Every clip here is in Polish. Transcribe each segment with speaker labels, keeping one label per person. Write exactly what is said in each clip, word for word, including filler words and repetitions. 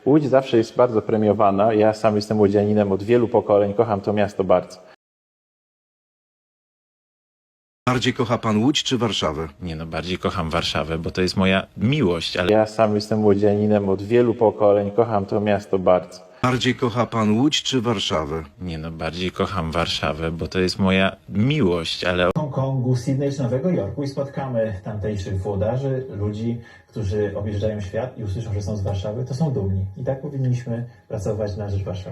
Speaker 1: Łódź zawsze jest bardzo premiowana. Ja sam jestem łodzianinem od wielu pokoleń, kocham to miasto bardzo.
Speaker 2: Bardziej kocha pan Łódź czy Warszawę?
Speaker 3: Nie no, bardziej kocham Warszawę, bo to jest moja miłość, ale
Speaker 1: Ja sam jestem łodzianinem od wielu pokoleń, kocham to miasto bardzo.
Speaker 2: Bardziej kocha pan Łódź czy Warszawę?
Speaker 3: nie no, bardziej kocham Warszawę, bo to jest moja miłość, ale
Speaker 4: Hongkongu, Sydney czy Nowego Jorku i spotkamy tamtejszych włodarzy, ludzi, którzy objeżdżają świat i usłyszą, że są z Warszawy, to są dumni. I tak powinniśmy pracować na rzecz Warszawy.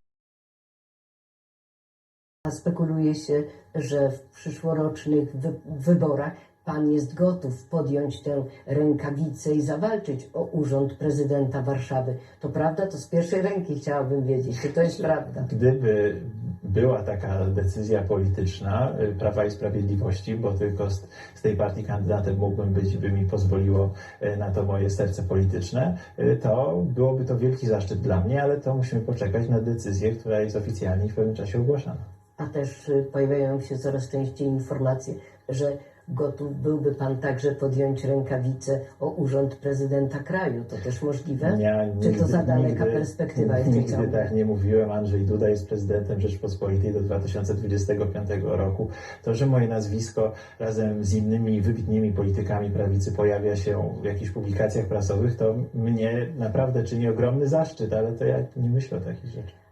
Speaker 5: Spekuluje się, że w przyszłorocznych wy wyborach pan jest gotów podjąć tę rękawicę i zawalczyć o urząd prezydenta Warszawy. To prawda? To z pierwszej ręki chciałabym wiedzieć, czy to jest prawda.
Speaker 4: Gdyby była taka decyzja polityczna y, Prawa i Sprawiedliwości, bo tylko z, z tej partii kandydatem mógłbym być, by mi pozwoliło y, na to moje serce polityczne, y, to byłoby to wielki zaszczyt dla mnie, ale to musimy poczekać na decyzję, która jest oficjalnie w pewnym czasie ogłaszana.
Speaker 5: A też y, pojawiają się coraz częściej informacje, że gotów byłby pan także podjąć rękawicę o urząd prezydenta kraju. To też możliwe?
Speaker 4: Ja
Speaker 5: Czy to
Speaker 4: nigdy-
Speaker 5: za daleka
Speaker 4: nigdy-
Speaker 5: perspektywa jeszcze
Speaker 4: Nigdy
Speaker 5: ciągle?
Speaker 4: tak nie mówiłem. Andrzej Duda jest prezydentem Rzeczpospolitej do dwa tysiące dwudziestego piątego roku. To, że moje nazwisko razem z innymi wybitnymi politykami prawicy pojawia się w jakichś publikacjach prasowych, to mnie naprawdę czyni ogromny zaszczyt, ale to ja nie myślę o takich rzeczach.